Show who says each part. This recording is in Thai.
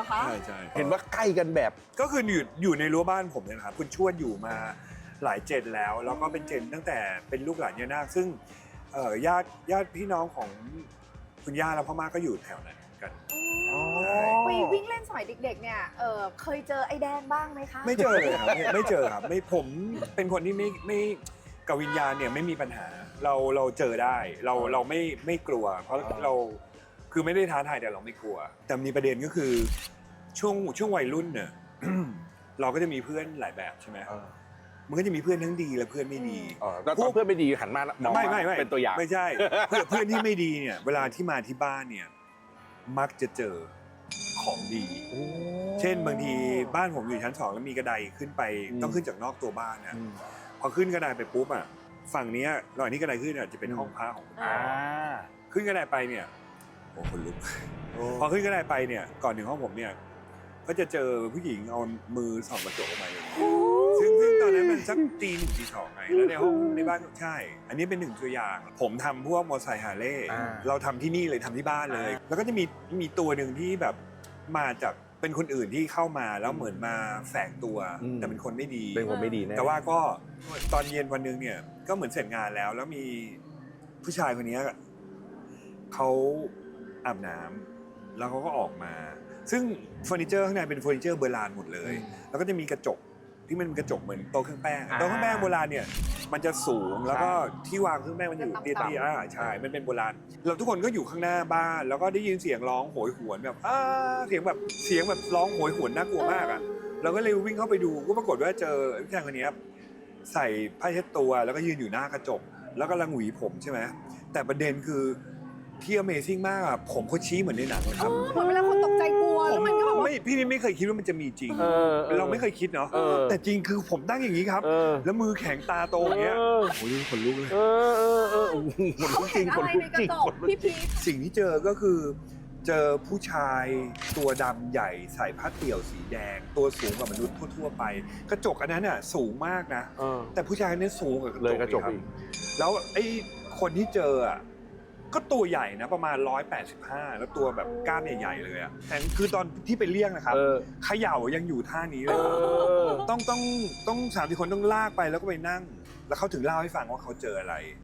Speaker 1: คะ
Speaker 2: ใช่
Speaker 3: เห็นว่าใกล้กันแบบ
Speaker 2: ก็คืออยู่ในรั้วบ้านผมเนี่ยนะครับคุณชวดอยู่มาหลายเจนแล้วก็เป็นเจนตั้งแต่เป็นลูกหลานย่านาคซึ่งญาติพี่น้องของคุณย่าและพ่อม่าก็อยู่แถวนั้นกัน
Speaker 1: ไปวิ่งเล่นสมัยเด็กๆเนี่ยเคยเจอไอ้แดงบ้างไหมคะ
Speaker 2: ไม่เจอเลยครับไม่เจอครับไม่ผมเป็นคนที่ไม่กับวิญญาณเนี่ยไม่มีปัญหาเราเจอได้เราไม่กลัว เพราะเราคือไม่ได้ท้าทายแต่เราไม่กลัว แต่มีประเด็นก็คือช่วงวัยรุ่นเนี่ย เราก็จะมีเพื่อนหลายแบบใช่ไหมมันก็จะมีเพื่อนทั้งดีและเพื่อนไม่ดี
Speaker 3: แล้วตอนเพื่อนไม่ดีหันมามอง
Speaker 2: ไม่
Speaker 3: เป็นตัวอย่าง
Speaker 2: ไม่ใช่ เพื่อนที่ไม่ดีเนี่ยเวลาที่มาที่บ้านเนี่ยมักจะเจอของดี เช่นบางทีบ้านผมอยู่ชั้น2แล้วมีกระไดขึ้นไปต้องขึ้นจากนอกตัวบ้านนะพอขึ้นกระไดไปปุ๊บอ่ะฝั่งนี้ระหว่างที่กระไดขึ้นจะเป็นห้องพระของขึ้นกระไดไปเนี่ยโอ้คนลุกพอขึ้นกระไดไปเนี่ยก่อนถึงห้องผมเนี่ยก็จะเจอผู้หญิงเอามือส่องกระจกออกมาอย่างนี้ซึ่งตอนนั้นมันสักตี 1 ตี 2ไงแล้วในห้องในบ้านใช่อันนี้เป็น1ตัวอย่างผมทำพวกมอเตอร์ไซค์ฮาร์เลย์เราทำที่นี่เลยทำที่บ้านเลยแล้วก็จะมีตัวหนึ่งที่แบบมาจากเป็นคนอื่นที่เข้ามาแล้วเหมือนมาแฝงตัวแต่เป็นคนไม่ดี
Speaker 3: เป็นคนไม่ดีแน่
Speaker 2: แต่ว่าก็ตอนเย็นวันนึงเนี่ยก็เหมือนเสร็จงานแล้วมีผู้ชายคนนี้เขาอาบน้ำแล้วเขาก็ออกมาซึ่งเฟอร์นิเจอร์ข้างในเป็นเฟอร์นิเจอร์โบราณหมดเลยแล้วก็จะมีกระจกที่มันเป็นกระจกเหมือนโต๊ะเครื่องแป้งโต๊ะเครื่องแป้งโบราณเนี่ยมันจะสูงแล้วก็ที่วางเครื่องแป้งมันอยู่เตี้ยๆใช่มันเป็นโบราณเราทุกคนก็อยู่ข้างหน้าบ้านแล้วก็ได้ยินเสียงร้องโหยหวนแบบเสียงแบบร้องโหยหวนน่ากลัวมากอ่ะเราก็เลยวิ่งเข้าไปดูก็ปรากฏว่าเจอผู้ชายคนนี้ใส่ผ้าเช็ดตัวแล้วก็ยืนอยู่หน้ากระจกแล้วก็ลังหวีผมใช่ไหมแต่ประเด็นคือที่ Amazing มากอ่ะผมเขาชี้เหมือนในหนังเลยครับ
Speaker 1: เหมือนเวลาคนตกใจกลัวแล้วมันก็แบบ
Speaker 2: พี่ไม่เคยคิดว่ามันจะมีจริงเราไม่เคยคิดเนาะแต่จริงคือผมตั้งอย่างนี้ครับแล้วมือแข็งตาโตอย่างเงี้ยโอ้ยขนลุกเลย
Speaker 1: คนลุกจริงคนลุกจริงพี่พี
Speaker 2: สิ่งที่เจอก็คือเจอผู้ชายตัวดำใหญ่ใส่ผ้าเตี่ยวสีแดงตัวสูงกว่ามนุษย์ทั่วๆไปกระจกอันนั้นอ่ะสูงมากนะแต่ผู้ชายนี้สูงกว่ากระจกอีกแล้วไอ้คนที่เจออ่ะก็ตัวใหญ่นะประมาณ185แล้วตัวแบบกล้ามใหญ่ๆเลยอ่ะแต่คือตอนที่ไปเรียกนะครับเขย่ายังอยู่ท่านี้เลยต้อง3-4 คนต้องลากไปแล้วก็ไปนั่งแล้วเขาถึงเล่าให้ฟังว่าเขาเจออะไร